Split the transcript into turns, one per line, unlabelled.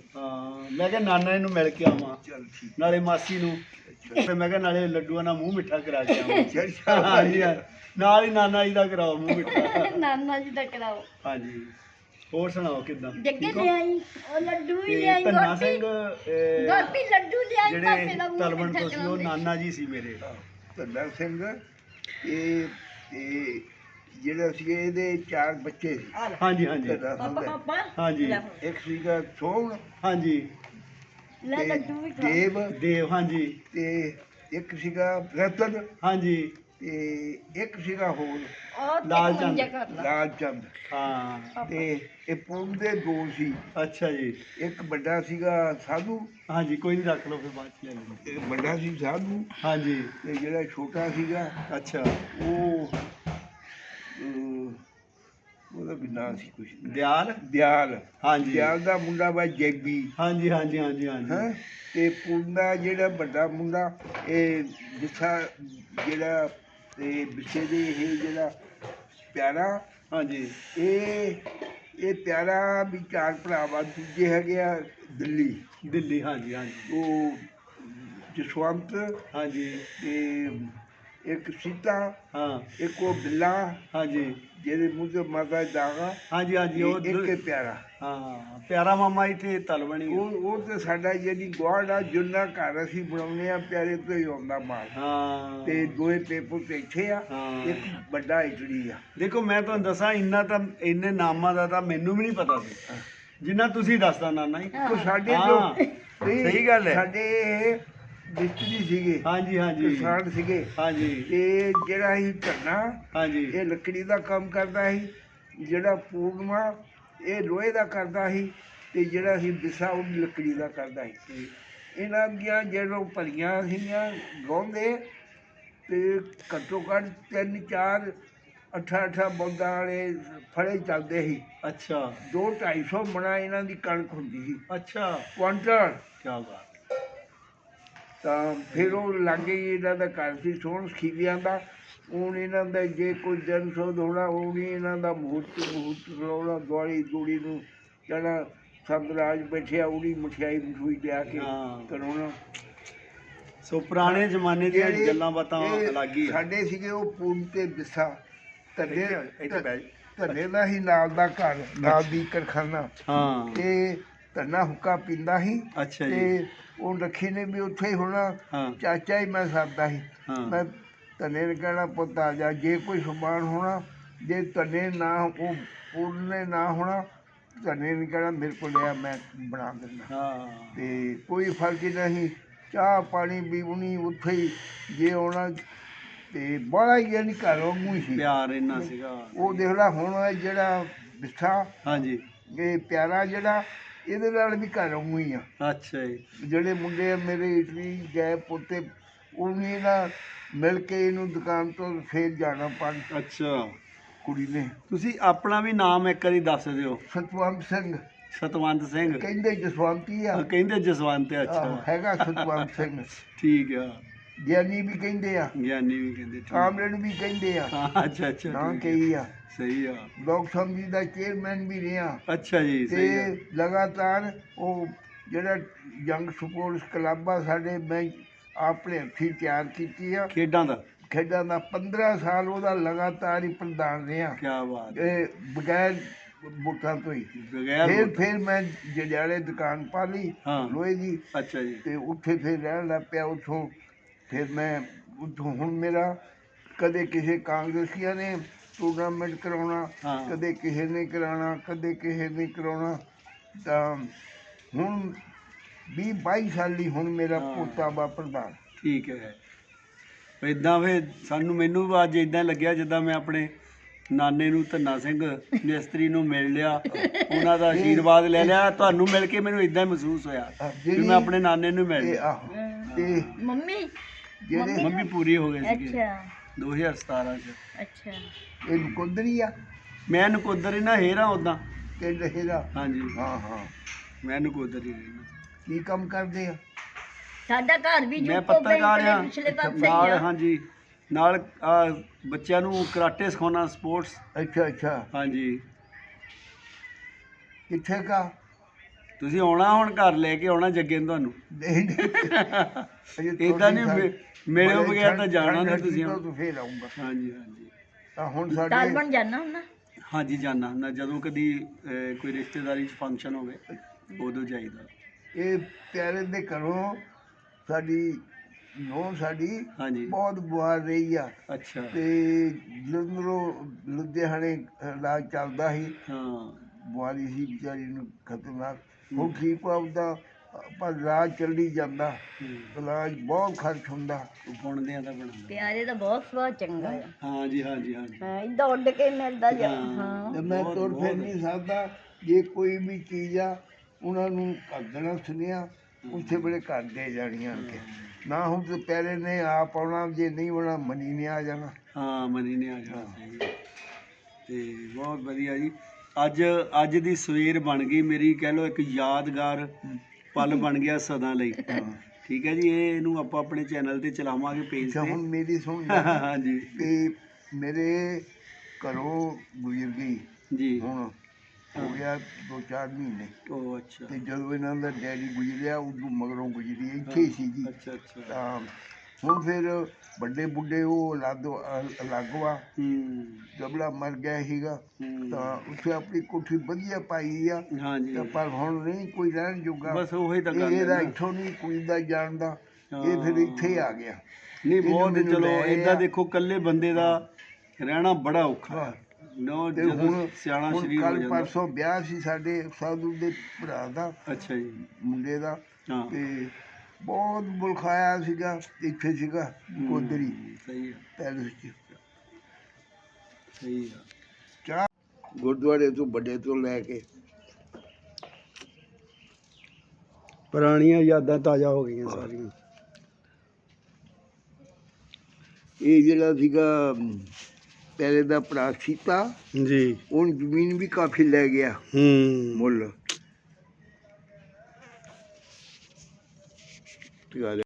ਹਾਂ ਮੈਂ ਕਿਹਾ ਨਾਨਾ ਇਹਨੂੰ ਮਿਲ ਕੇ ਆਵਾਂ
ਚੱਲ ਠੀਕ
ਨਾਲੇ ਮਾਸੀ ਨੂੰ ਤੇ ਮੈਂ ਕਿਹਾ ਨਾਲੇ ਲੱਡੂਆਂ ਨਾਲ ਮੂੰਹ ਮਿੱਠਾ ਕਰਾ ਕੇ ਆਵਾਂ
ਚੱਲ
ਹਾਂਜੀ ਹਾਂ, ਨਾਲ ਹੀ ਨਾਨਾ ਜੀ ਦਾ ਕਰਾਓ ਮੂੰਹ ਮਿੱਠਾ
ਨਾਨਾ ਜੀ ਦਾ ਕਰਾਓ।
ਹਾਂਜੀ ਹੋਰ ਸੁਣਾਓ ਕਿੱਦਾਂ
ਜੱਗੇ ਲੈ ਆਈ ਉਹ ਲੱਡੂ ਵੀ
ਤੇ
ਲੈ ਆਈ
ਧੰਨਾ ਸਿੰਘ
ਗੋਪੀ ਲੱਡੂ ਲੈ ਆਈ ਪਾਪੇ
ਜਿਹੜੇ
ਦਾ ਮੂੰਹ
ਤਲਵਣ
ਮਿੱਠਾ
ਤੋਂ ਸੀ ਉਹ
ਕਰਾਉਂਦੇ।
ਨਾਨਾ ਜੀ ਸੀ ਮੇਰੇ
ਧੰਨਾ ਸਿੰਘ ਇਹ ਜਿਹੜਾ ਸੀ ਇਹਦੇ 4 ਬੱਚੇ ਸੀ
ਹਾਂਜੀ ਹਾਂਜੀ
ਧੰਨਾ
ਪਾਪਾ
ਸਿੰਘ
ਪਾਪਾ
ਹਾਂਜੀ
ਲੈ ਹੁਣ।
ਇੱਕ ਸੀਗਾ ਸੋਹਣ
ਹਾਂਜੀ
ਲੈ
ਤੇ
ਲੱਡੂ ਵੀ ਖਾ
ਦੇਵ
ਦੇਵ ਹਾਂਜੀ
ਤੇ ਇੱਕ ਸੀਗਾ ਰਤਨ
ਹਾਂਜੀ
ਤੇ ਇੱਕ ਸੀਗਾ ਹੋਰ
ਉਹ
ਲਾਲ
ਤੇ
ਚੰਦ।
ਮੰਜਾ ਕਰ ਲਾ।
ਲਾਲ ਚੰਦ
ਹਾਂ
ਤੇ ਇਹ ਪੁੰਨ ਦੇ 2 ਸੀ
ਅੱਛਾ ਜੀ
ਇੱਕ ਵੱਡਾ ਸੀਗਾ ਸਾਧੂ
ਹਾਂਜੀ ਕੋਈ ਨਹੀਂ ਰੱਖ ਲਓ ਫਿਰ ਬਾਅਦ ਚ ਲੈ ਲੈਂਦੇ
ਇੱਕ ਵੱਡਾ ਸੀ ਸਾਧੂ
ਹਾਂਜੀ
ਤੇ ਜਿਹੜਾ ਛੋਟਾ ਸੀਗਾ
ਅੱਛਾ
ਉਹ ਉਹਦਾ ਵੀ ਨਾਂ ਸੀ ਕੁਛ
ਦਿਆਲ
ਦਿਆਲ
ਹਾਂਜੀ
ਦਿਆਲ ਦਾ ਮੁੰਡਾ ਵਾ ਜੈਬੀ
ਹਾਂਜੀ ਹਾਂਜੀ ਹਾਂਜੀ ਹਾਂਜੀ
ਹੈਂ ਤੇ ਪੁੰਨ ਦਾ ਜਿਹੜਾ ਵੱਡਾ ਮੁੰਡਾ ਇਹ ਵਿਛਾ ਜਿਹੜਾ ਤੇ ਵਿਛੇ ਦੇ ਇਹ ਜਿਹੜਾ ਪਿਆਰਾ
ਹਾਂਜੀ
ਇਹ ਪਿਆਰਾ ਵੀ 4 ਭਰਾ ਵਾ ਦੂਜੇ ਹੈਗੇ ਆ ਦਿੱਲੀ
ਦਿੱਲੀ ਹਾਂਜੀ ਹਾਂਜੀ
ਉਹ ਜਸਵੰਤ
ਹਾਂਜੀ
ਤੇ ਇੱਕ ਸੀਤਾ
ਹਾਂ
ਇੱਕ ਉਹ ਬਿੱਲਾ
ਹਾਂਜੀ
ਜਿਹਦੇ ਮੂੰਹ ਤੇ ਮਾਤਾ ਦਾਗਾ
ਹਾਂਜੀ ਹਾਂਜੀ ਉਹ
ਇੱਕ ਇਹ ਪਿਆਰਾ
ਹਾਂ ਪਿਆਰਾ ਮਾਮਾ ਇੱਥੇ ਤਲਵਣੀ
ਉਹ ਤੇ ਸਾਡਾ ਜਿਹੜੀ ਗੁਆਂਢ ਆ ਜਿੰਨਾ ਘਰ ਅਸੀਂ ਬਣਾਉਂਦੇ ਆ ਪਿਆਰੇ ਤੋਂ ਹੀ ਆਉਂਦਾ ਮਾਲ
ਹਾਂ
ਤੇ 2 ਪੇਪਰ ਤੇ ਇੱਥੇ ਆ
ਹਾਂ।
ਇੱਕ ਵੱਡਾ ਇਟਲੀ ਆ
ਦੇਖੋ ਮੈਂ ਤੁਹਾਨੂੰ ਦੱਸਾਂ ਇੰਨਾ ਤਾਂ ਇੰਨੇ ਨਾਮਾਂ ਦਾ ਤਾਂ ਮੈਨੂੰ ਵੀ ਨਹੀਂ ਪਤਾ ਸੀ ਜਿੰਨਾ ਤੁਸੀਂ ਦੱਸਦਾ ਨਾਨਾ ਜੀ
ਕੋ ਸਾਡੇ
ਹਾਂ,
ਜੋ ਨਹੀਂ,
ਸਹੀ ਗੱਲ ਹੈ।
ਸਾਡੇ ਮਿਸਤਰੀ ਸੀਗੇ
ਹਾਂਜੀ ਹਾਂਜੀ
ਕਿਸਾਨ ਸੀਗੇ
ਹਾਂਜੀ
ਤੇ ਜਿਹੜਾ ਅਸੀਂ ਧਰਨਾ
ਹਾਂਜੀ
ਇਹ ਲੱਕੜੀ ਦਾ ਕੰਮ ਕਰਦਾ ਸੀ ਜਿਹੜਾ ਪੂਰਨਮਾ ਇਹ ਲੋਹੇ ਦਾ ਕਰਦਾ ਸੀ ਤੇ ਜਿਹੜਾ ਸੀ ਵਿਸਾ ਉਹ ਵੀ ਲੱਕੜੀ ਦਾ ਕਰਦਾ ਸੀ ਇਹਨਾਂ ਦੀਆਂ ਜਦੋਂ ਭਰੀਆਂ ਸੀਗੀਆਂ ਗਾਉਂਦੇ ਤੇ ਘੱਟੋ ਘੱਟ 3-4 8-8 ਬਲਦਾਂ ਵਾਲੇ ਫੜੇ ਚੱਲਦੇ ਸੀ
ਅੱਛਾ
2-250 ਮਣਾ ਇਹਨਾਂ ਦੀ ਕਣਕ ਹੁੰਦੀ ਸੀ
ਅੱਛਾ
ਕੁਆਂਟਲ
ਕੀ ਬਾਤ
ਤਾਂ ਫਿਰ ਉਹ ਲਾਗੇ ਹੀ ਇਹਨਾਂ ਦਾ ਘਰ ਸੀ ਸੋਹਣ ਖੀਵਿਆਂ ਦਾ ਹੁਣ ਇਹਨਾਂ ਦਾ ਜੇ ਕੋਈ ਦਿਨ ਸੋਧ ਹੋਣਾ ਉਹ ਵੀ ਇਹਨਾਂ ਦਾ ਮਹੂਰਤ ਲਾਉਣਾ ਦੁਆਲੀ ਦੂੜੀ ਨੂੰ ਕਹਿਣਾ ਸੰਦਰਾਜ ਬੈਠਿਆ ਉਹਦੀ ਮਠਿਆਈ ਮਠੂਈ ਲਿਆ ਕੇ
ਹਾਂ।
ਕਰਾਉਣਾ
ਸੋ ਪੁਰਾਣੇ ਜ਼ਮਾਨੇ ਦੀਆਂ
ਜਿਹੜੇ
ਗੱਲਾਂ ਬਾਤਾਂ
ਇਹ
ਅਲੱਗ ਹੀ ਆ
ਸਾਡੇ ਸੀਗੇ ਉਹ ਪੂਨ ਤੇ ਵਿਸਾ ਧੰਨੇ
ਇੱਥੇ ਬਹਿ ਜਾ।
ਧੰਨੇ ਦਾ ਹੀ ਨਾਲ ਦਾ ਘਰ ਨਾਲ ਦੀ ਕਰਖਾਨਾ
ਹਾਂ
ਤੇ ਧੰਨਾ ਹੁੱਕਾ ਪੀਂਦਾ ਸੀ
ਅੱਛਾ ਜੀ
ਤੇ ਉਹ ਰੱਖੀ ਨੇ ਵੀ ਉੱਥੇ ਹੀ ਹੋਣਾ
ਹਾਂ
ਚਾਚਾ ਹੀ ਮੈਂ ਸਰਦਾ ਸੀ
ਹਾਂ
ਮੈਂ ਧੰਨੇ ਨੇ ਕਹਿਣਾ ਪੁੱਤ ਆ ਜਾ ਜੇ ਕੋਈ ਸਮਾਨ ਹੋਣਾ ਜੇ ਧੰਨੇ ਨਾ ਉਹ ਪੂਰਨੇ ਨਾ ਹੋਣਾ ਧੰਨੇ ਨੇ ਕਹਿਣਾ ਮੇਰੇ ਕੋਲ ਲਿਆ ਮੈਂ ਬਣਾ ਦਿੰਦਾ
ਹਾਂ
ਤੇ ਕੋਈ ਫਰਕ ਹੀ ਨਹੀਂ ਚਾਹ ਪਾਣੀ ਪੀਣੀ ਉੱਥੇ ਹੀ ਜੇ ਆਉਣਾ ਤੇ ਬੜਾ ਹੀ ਯਾਨੀ ਘਰੋਂ ਮੂੰਹ ਹੀ ਸੀ
ਪਿਆਰ ਇੰਨਾ ਸੀਗਾ
ਉਹ ਦੇਖ ਲਾ ਹੁਣ ਇਹ ਜਿਹੜਾ ਵਿਸਾ
ਹਾਂਜੀ
ਇਹ ਪਿਆਰਾ ਜਿਹੜਾ ਇਹਦੇ ਨਾਲ ਵੀ ਘਰੋਂ ਮੂੰਹ ਹੀ ਆ
ਅੱਛਾ ਜੀ
ਜਿਹੜੇ ਮੁੰਡੇ ਮੇਰੇ ਇਟਲੀ ਗਏ ਪੋਤੇ ਉਹ ਵੀ ਨਾ ਮਿਲ ਕੇ ਇਹਨੂੰ ਦੁਕਾਨ ਤੋਂ ਫੇਰ ਜਾਣਾ ਪਣ
ਅੱਛਾ
ਕੁੜੀ ਨੇ
ਤੁਸੀਂ ਆਪਣਾ ਵੀ ਨਾਮ ਇੱਕ ਵਾਰੀ ਦੱਸ ਦਿਓ
ਸਤਵੰਤ ਸਿੰਘ
ਸਤਵੰਤ ਸਿੰਘ
ਕਹਿੰਦੇ ਜਸਵੰਤੀ ਆ
ਕਹਿੰਦੇ ਜਸਵੰਤ
ਆਹੋ,
ਅੱਛਾ
ਹੈਗਾ ਸਤਵੰਤ ਸਿੰਘ
ਠੀਕ ਆ
ਗਿਆਨੀ ਵੀ ਕਹਿੰਦੇ ਆ
ਗਿਆਨੀ ਵੀ ਕਹਿੰਦੇ ਠੀਕ।
ਕਾਮਰੇਡ ਵੀ ਕਹਿੰਦੇ ਆ
ਹਾਂ ਅੱਛਾ ਅੱਛਾ
ਨਾ
ਠੀਕ
ਕਹੀ ਆ
ਸਹੀ ਆ
ਲੋਕ ਸਮਝੀ ਦਾ ਚੇਅਰਮੈਨ ਵੀ ਰਿਹਾ
ਅੱਛਾ ਜੀ
ਤੇ
ਸਹੀ ਆ
ਲਗਾਤਾਰ ਉਹ ਜਿਹੜਾ ਜੰਗ ਸਪੋਰਟਸ ਕਲੱਬ ਆ ਸਾਡੇ ਮੈਂ ਆਪਣੇ ਹੱਥੀਂ ਤਿਆਰ ਕੀਤੀ ਆ
ਖੇਡਾਂ ਦਾ
ਖੇਡਾਂ ਦਾ 15 ਸਾਲ ਉਹਦਾ ਲਗਾਤਾਰ ਹੀ ਪ੍ਰਧਾਨ ਰਿਹਾ
ਕੀ ਬਾਤ
ਇਹ ਬਗੈਰ ਵੋਟਾਂ ਤੋਂ ਹੀ
ਬਗੈਰ
ਫਿਰ ਮੈਂ ਜੜਿਆਲੇ ਦੁਕਾਨ ਪਾ ਲਈ
ਹਾਂ।
ਲੋਹੇ ਦੀ
ਅੱਛਾ ਜੀ
ਤੇ ਉੱਥੇ ਫਿਰ ਰਹਿਣ ਲੱਗ ਪਿਆ ਉੱਥੋਂ ਫਿਰ ਮੈਂ ਉੱਥੋਂ ਹੁਣ ਮੇਰਾ ਕਦੇ ਕਿਸੇ ਕਾਂਗਰਸੀਆਂ ਨੇ ਟੂਰਨਾਮੈਂਟ ਕਰਾਉਣਾ
ਹਾਂ।
ਕਦੇ ਕਿਸੇ ਨੇ ਕਰਾਉਣਾ ਕਦੇ ਕਿਸੇ ਨੇ ਕਰਾਉਣਾ ਤਾਂ ਹੁਣ 20-22 ਸਾਲੀ ਹੁਣ ਮੇਰਾ
ਹਾਂ।
ਪੋਤਾ ਵਾ ਪ੍ਰਧਾਨ
ਠੀਕ ਹੈ ਇਦਾਂ ਫਿਰ ਮੈਨੂੰ ਵੀ ਅੱਜ ਇਦਾਂ ਲੱਗਿਆ ਜਿੱਦਾਂ ਮੈਂ ਆਪਣੇ ਨਾਨੇ ਨੂੰ ਧੰਨਾ ਸਿੰਘ ਮਿਸਤਰੀ ਨੂੰ ਮਿਲ ਲਿਆ ਉਹਨਾਂ ਦਾ ਆਸ਼ੀਰਵਾਦ ਲੈ ਲਿਆ ਤੁਹਾਨੂੰ ਮਿਲ ਕੇ ਮੈਨੂੰ ਇਦਾਂ ਮਹਿਸੂਸ ਹੋਇਆ ਕਿ ਮੈਂ ਆਪਣੇ ਨਾਨੇ ਨੂੰ ਮਿਲ
ਤੇ
ਲਿਆ
ਆਹੋ ਤੇ
ਮੰਮੀ
ਜਿਹੜੇ
ਮੰਮੀ ਪੂਰੀ ਹੋ ਗਈ ਸੀ
ਅੱਛਾ
2017 ਚ
ਅੱਛਾ
ਇਹ ਨਕੁੰਦਰੀ ਆ
ਮੈਂ ਨਕੋਦਰ ਹੀ ਨਾ ਹੇਰਾ ਉਦਾਂ
ਪਿੰਡ ਹੈਗਾ
ਹਾਂਜੀ
ਹਾਂ ਹਾਂ
ਮੈਂ ਨਕੋਦਰ ਹੀ ਰਹਿਣਾ
ਕੀ ਕੰਮ ਕਰਦੇ ਆ
ਸਾਡਾ ਘਰ ਵੀ
ਮੈਂ
ਜੁੱਕੋ
ਪੱਤਰਕਾਰ ਆ
ਪਿਛਲੇ ਪਾਸੇ ਹੀ
ਨਾਲ
ਆ
ਹਾਂਜੀ ਨਾਲ ਬੱਚਿਆਂ ਨੂੰ ਕਰਾਟੇ ਸਿਖਾਉਣਾ ਸਪੋਰਟਸ
ਅੱਛਾ ਅੱਛਾ
ਹਾਂਜੀ
ਕਿੱਥੇ ਕਾ
ਤੁਸੀਂ ਆਉਣਾ ਹੁਣ ਘਰ ਲੈ ਕੇ ਆਉਣਾ ਜੱਗੇ ਨੂੰ ਤੁਹਾਨੂੰ
ਨਹੀਂ ਨਹੀਂ
ਇਦਾਂ ਨਹੀਂ ਮਿਲਿਓ ਬਗੈਰ ਤਾਂ ਜਾਣਾ ਨਹੀਂ ਤੁਸੀਂ
ਤੂੰ ਫੇਰ ਆਉਂਗਾ।
ਹਾਂਜੀ ਹਾਂਜੀ
ਤਾਂ ਹੁਣ
ਤਾਲ
ਸਾਡੇ
ਬਣ ਜਾਣਾ ਹੁੰਦਾ।
ਹਾਂਜੀ ਜਾਣਾ ਹੁੰਦਾ ਜਦੋਂ ਕਦੀ ਕੋਈ ਰਿਸ਼ਤੇਦਾਰੀ 'ਚ ਫੰਕਸ਼ਨ ਹੋਵੇ ਉਦੋਂ ਜਾਈਦਾ।
ਇਹ ਪਿਆਰੇ ਦੇ ਘਰੋਂ ਸਾਡੀ ਨੌਂ ਸਾਡੀ
ਹਾਂਜੀ
ਬਹੁਤ ਬਿਮਾਰ ਰਹੀ ਆ
ਅੱਛਾ
ਤੇ ਜਲੰਧਰੋਂ ਲੁਧਿਆਣੇ ਇਲਾਜ ਚੱਲਦਾ ਸੀ।
ਹਾਂ
ਬਿਮਾਰੀ ਸੀ ਵਿਚਾਰੀ ਨੂੰ ਖਤਰਨਾਕ। ਹੁਣ ਠੀਕ ਆਪਦਾ ਪਰ ਇਲਾਜ ਚੱਲੀ ਜਾਂਦਾ। ਇਲਾਜ ਬਹੁਤ ਖਰਚ ਹੁੰਦਾ।
ਬੁਣਦੇ ਆ ਤਾਂ ਬਣਾਉਂਦੇ
ਪਿਆਰੇ ਦਾ ਬਹੁਤ ਸੁਭਾਅ ਚੰਗਾ ਆ।
ਹਾਂਜੀ ਹਾਂਜੀ ਹਾਂਜੀ
ਹਾਂ ਇੱਦਾਂ ਉੱਡ ਕੇ ਮਿਲਦਾ ਜਾ। ਹਾਂ
ਤੇ ਮੈਂ ਤੁਰ ਫਿਰ ਨਹੀਂ ਸਕਦਾ। ਜੇ ਕੋਈ ਵੀ ਚੀਜ਼ ਆ ਉਹਨਾਂ ਨੂੰ ਕਰ ਦੇਣਾ ਸੁਣਿਆ ਉੱਥੇ ਬੜੇ ਘਰ ਦੇ ਜਾਣੀਆਂ ਕੇ ਨਾ ਹੁਣ ਤੇ ਪਹਿਲੇ ਨੇ ਆਪ ਆਉਣਾ ਜੇ ਨਹੀਂ ਆਉਣਾ ਮਨੀ ਨੇ ਆ ਜਾਣਾ।
ਹਾਂ ਮਨੀ ਨੇ ਆ ਜਾਣਾ ਸਹੀ ਹੈ। ਤੇ ਬਹੁਤ ਵਧੀਆ ਜੀ। ਅੱਜ ਦੀ ਸਵੇਰ ਬਣ ਗਈ ਮੇਰੀ ਕਹਿ ਲਓ ਇੱਕ ਯਾਦਗਾਰ ਪਲ ਬਣ ਗਿਆ ਸਦਾ ਲਈ। ਠੀਕ ਹੈ ਜੀ ਇਹਨੂੰ ਆਪਾਂ ਆਪਣੇ ਚੈਨਲ ਤੇ ਚਲਾਵਾਂਗੇ ਪੇਜ
ਅੱਛਾ
ਤੇ।
ਹੁਣ ਮੇਰੀ ਸੁਣ
ਹਾਂਜੀ
ਕਿ ਮੇਰੇ ਘਰੋਂ ਗੁਜ਼ਰ ਗਈ
ਜੀ
ਹੁਣ ਹੋ ਗਿਆ 2-4 ਮਹੀਨੇ
ਉਹ ਅੱਛਾ
ਤੇ ਜਦੋਂ ਇਹਨਾਂ ਦਾ ਡੈਡੀ ਗੁਜ਼ਰਿਆ ਉਦੋਂ ਮਗਰੋਂ ਗੁਜ਼ਰੀ ਇੱਥੇ ਹੀ ਸੀ ਜੀ।
ਅੱਛਾ ਅੱਛਾ
ਤਾਂ ਹੁਣ ਫਿਰ ਵੱਡੇ ਬੁੱਢੇ ਉਹ ਅਲੱਗ ਵਾ ਜਬਲਾ ਮਰ ਗਿਆ ਸੀਗਾ ਤਾਂ ਉੱਥੇ ਆਪਣੀ ਕੋਠੀ ਵਧੀਆ ਪਾਈ ਆ
ਹਾਂਜੀ
ਤਾਂ ਪਰ ਹੁਣ ਨਹੀਂ ਕੋਈ ਰਹਿਣ ਜੋਗਾ।
ਬਸ ਉਹੀ ਤਾਂ ਗੱਲ
ਇਹਦਾ
ਹੈ ਨਾ।
ਇੱਥੋਂ ਨਹੀਂ ਕੋਈ ਦਾ ਜਾਣਦਾ ਇਹ ਫਿਰ ਇੱਥੇ ਹੀ ਆ ਗਿਆ।
ਨਹੀਂ
ਇਹਨੂੰ
ਬਹੁਤ
ਮੈਨੂੰ
ਚਲੋ
ਲੈ
ਏਦਾਂ
ਆ।
ਦੇਖੋ ਇਕੱਲੇ ਬੰਦੇ ਦਾ ਰਹਿਣਾ ਬੜਾ ਔਖਾ
ਹਾਂ।
ਹੈ। ਨੋ
ਤੇ
ਜਦੋਂ
ਹੁਣ
ਸਿਆਣਾ
ਹੁਣ
ਸ਼ਰੀਰ ਹੋ
ਕੱਲ
ਜਾਂਦਾ।
ਪਰਸੋਂ ਵਿਆਹ ਸੀ ਸਾਡੇ ਸਾਧੂ ਦੇ ਭਰਾ ਦਾ
ਅੱਛਾ ਜੀ
ਮੁੰਡੇ ਦਾ
ਹਾਂ
ਤੇ ਬਹੁਤ ਮੁਲਕ ਆਇਆ ਸੀਗਾ ਇੱਥੇ ਸੀਗਾ ਕੋਦਰੀ
ਸਹੀ ਹੈ
ਪੈਲਸ 'ਚ
ਸਹੀ ਹੈ
ਚਾਹ ਗੁਰਦੁਆਰੇ ਤੋਂ ਵੱਡੇ ਤੋਂ ਲੈ ਕੇ
ਪੁਰਾਣੀਆਂ ਯਾਦਾਂ ਤਾਜ਼ਾ ਹੋ ਗਈਆਂ ਸਾਰੀਆਂ।
ਇਹ ਜਿਹੜਾ ਸੀਗਾ ਪਹਿਲੇ ਦਾ ਭਰਾ ਸੀਤਾ
ਜੀ
ਉਹ ਜ਼ਮੀਨ ਵੀ ਕਾਫੀ ਲੈ ਗਿਆ ਮੁੱਲ।